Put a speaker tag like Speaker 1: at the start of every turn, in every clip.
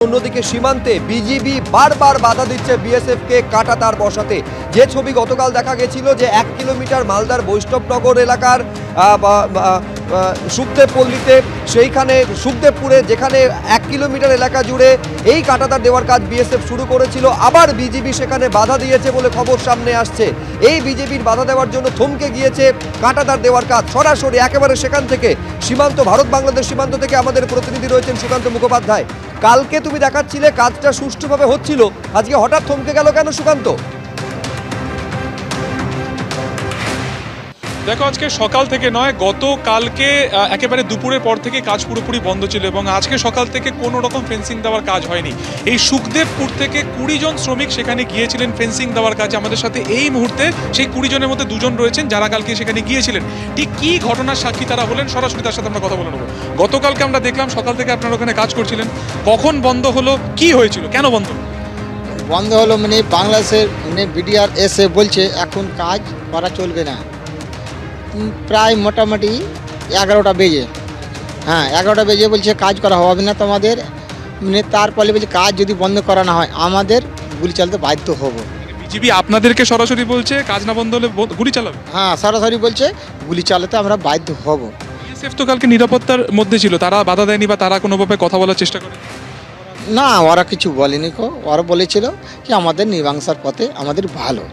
Speaker 1: অন্যদিকে সীমান্তে বিজিবি বারবার বাধা দিচ্ছে বিএসএফকে কাঁটাতার বসাতে। যে ছবি গতকাল দেখা গেছিল যে 1 কিলোমিটার মালদার বৈষ্ণবনগর এলাকার সুখদেবপল্লীতে, সেইখানে সুখদেবপুরে যেখানে 1 কিলোমিটার এলাকা জুড়ে এই কাঁটাতার দেওয়ার কাজ বিএসএফ শুরু করেছিল, আবার বিজিবি সেখানে বাধা দিয়েছে বলে খবর সামনে আসছে। এই বিজেপির বাধা দেওয়ার জন্য থমকে গিয়েছে কাঁটাতার দেওয়ার কাজ। সরাসরি একেবারে সেখান থেকে সীমান্ত, ভারত বাংলাদেশ সীমান্ত থেকে আমাদের প্রতিনিধি রয়েছেন সুকান্ত মুখোপাধ্যায়। কালকে তুমি দেখাচ্ছিলে কাজটা সুষ্ঠুভাবে হচ্ছিল, আজকে হঠাৎ থমকে গেল কেন সুকান্ত?
Speaker 2: দেখো, আজকে সকাল থেকে নয়, গতকালকে একেবারে দুপুরের পর থেকে কাজ পুরোপুরি বন্ধ ছিল এবং আজকে সকাল থেকে কোনো রকম ফেন্সিং দেওয়ার কাজ হয়নি। এই সুখদেবপুর থেকে 20 জন শ্রমিক সেখানে গিয়েছিলেন ফেন্সিং দেওয়ার কাজে। আমাদের সাথে এই মুহূর্তে সেই 20 জনের মধ্যে 2 জন রয়েছেন যারা কালকে সেখানে গিয়েছিলেন। ঠিক কী ঘটনার সাক্ষী তারা হলেন, সরাসরি তার সাথে আমরা কথা বলে নেব। গতকালকে আমরা দেখলাম সকাল থেকে আপনারা ওখানে কাজ করছিলেন, কখন বন্ধ হলো, কি হয়েছিল, কেন বন্ধ
Speaker 3: হলো? মানে বাংলাদেশের বিডিআর এসে বলছে এখন কাজ করা চলবে না। প্রায় মোটামুটি 11টা বেজে, 11টা বেজে বলছে কাজ করা হবে না তোমাদের। তারপরে বলছে কাজ যদি বন্ধ করা না হয় আমাদের গুলি চালাতে বাধ্য হব।
Speaker 2: বিজিবি আপনাদেরকে সরাসরি বলছে কাজ না বন্ধ হলে গুলি চালাবে?
Speaker 3: সরাসরি বলছে গুলি চালাতে আমরা বাধ্য হব।
Speaker 2: বিএসএফ তো কালকে নিরাপত্তার মধ্যে ছিল, তারা বাধা দেয়নি বা তারা কোনোভাবে কথা বলার চেষ্টা করে?
Speaker 3: না, ওরা কিছু বলেনি। ওরা বলেছিল কি আমাদের মীমাংসার পথে আমাদের ভালো।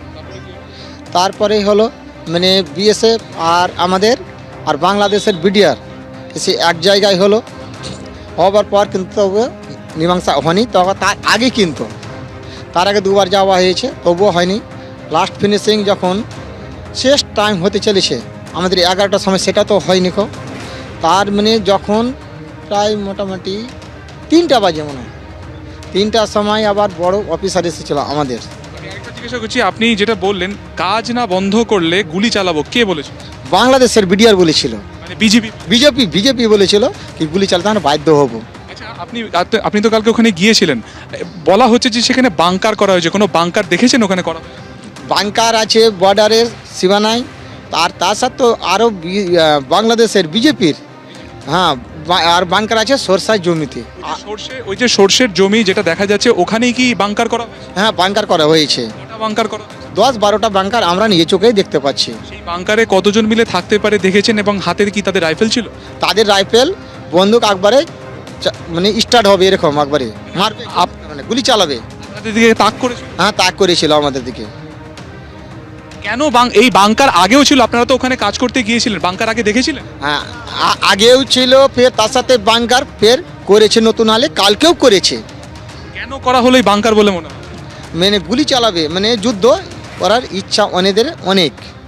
Speaker 3: তারপরে হলো বিএসএফ আর আমাদের আর বাংলাদেশের বিডিআর সে এক জায়গায় হলো, হবার পর কিন্তু তবু মীমাংসা হয়নি। তবে তার আগে কিন্তু তার আগে 2বার যাওয়া হয়েছে, তবুও হয়নি। লাস্ট ফিনিশিং যখন শেষ টাইম হতে চলেছে আমাদের 11টার সময়, সেটা তো হয়নি। তার যখন প্রায় মোটামুটি 3টা বাজে মনে হয়, 3টার সময় আবার বড় অফিসার এসেছিল আমাদের।
Speaker 2: জিজ্ঞাসা করছি, আপনি যেটা বললেন কাজ না বন্ধ করলে গুলি চালাবো, কে বলেছিল?
Speaker 3: বাংলাদেশের বিডিআর বলেছিল,
Speaker 2: মানে বিজেপি
Speaker 3: বলেছিল কি গুলি চালাতে আমরা বাধ্য হব।
Speaker 2: আচ্ছা, আপনি তো কালকে ওখানে গিয়েছিলেন, বলা হচ্ছে যে সেখানে বাংকার করা হয়েছে, কোনো বাংকার দেখেছেন ওখানে করা?
Speaker 3: বাংকার আছে বর্ডারের সীমানায়, আর তার সাথে আরও বাংলাদেশের বিজেপির আর বাংকার আছে সরষার জমিতে।
Speaker 2: ওই যে সরষের জমি যেটা দেখা যাচ্ছে, ওখানেই কি বাংকার করা?
Speaker 3: বাংকার করা হয়েছে।
Speaker 2: বাংকার করা
Speaker 3: 10-12টা বাংকার আমরা নিজে চোখেই দেখতে পাচ্ছি।
Speaker 2: সেই বাংকারে কতজন মিলে থাকতে পারে দেখেছেন? এবং হাতের কি তাদের রাইফেল ছিল?
Speaker 3: তাদের রাইফেল, বন্দুক একবারে স্টার্ট হবে এরকম, একবারে মারবে, গুলি চালাবে।
Speaker 2: আপনাদের দিকে তাক করেছিল?
Speaker 3: তাক করেছিল আমাদের দিকে।
Speaker 2: কেন এই বাংকার আগেও ছিল? আপনারা তো ওখানে কাজ করতে গিয়েছিলেন, বাংকার আগে দেখেছিলেন?
Speaker 3: আগেও ছিল, ফের তার সাথে বাংকার ফের করেছে নতুন হালে, কালকেও করেছে।
Speaker 2: কেন করা হলো এই বাংকার বলে মনে হয়?
Speaker 3: গুলি চালাবে, যুদ্ধ করার ইচ্ছা অনেদের অনেক।